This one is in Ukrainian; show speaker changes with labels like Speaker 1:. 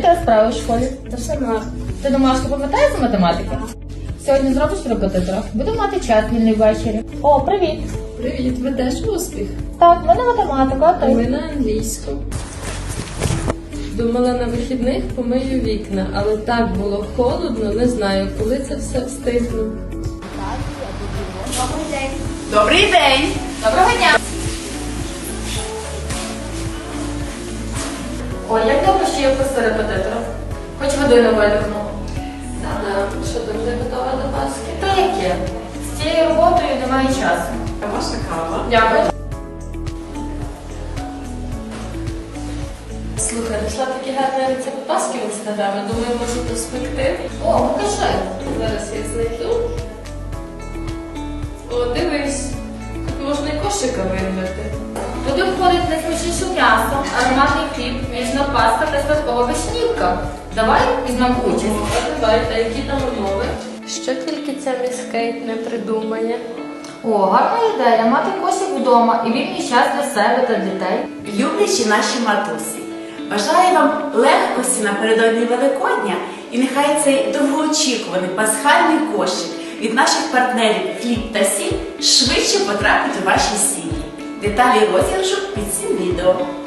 Speaker 1: тебе справи в школі?
Speaker 2: Та все гарно.
Speaker 1: Ти домашку пам'ятаєш з математики? Сьогодні зробиш репетитора. Буду мати час вільний ввечері. О, привіт!
Speaker 2: Привіт, ви теж успіх?
Speaker 1: Так, в мене математика, а
Speaker 2: А ми
Speaker 1: ти?
Speaker 2: на англійську. Думала, на вихідних помию вікна, але так було холодно, не знаю, коли це все встигну.
Speaker 3: Добрий день!
Speaker 1: Доброго дня! Ой, як добре, що є курси репетитора. Хоч водою не видихнула.
Speaker 2: Що ти вже готова до Пасхи?
Speaker 1: Та яке? З цією роботою немає часу.
Speaker 3: А ваша кава?
Speaker 1: Дякую.
Speaker 2: Слухай, знайшла такий гарний рецепт Пасхи в інстаграмі. Думаю, може то спекти.
Speaker 1: О, покажи.
Speaker 2: Зараз я знайду. О, дивись. Тут можна і кошика вирвати.
Speaker 1: Туди входить найсмачніше м'ясо, ароматний хліб, ніжна паста та святкова вишнівка. Давай візьмемо участь.
Speaker 2: А давай, та які там умови? Що тільки ця міс Кейт не придумає.
Speaker 1: О, гарна ідея. Мати кошик вдома і вільний час для себе та дітей.
Speaker 3: Люблячі наші матусі, бажаю вам легкості напередодні Великодня і нехай цей довгоочікуваний пасхальний кошик від наших партнерів «Хліб та сіль» швидше потрапить у ваші сім'ї. Деталі розіграшу під цим відео.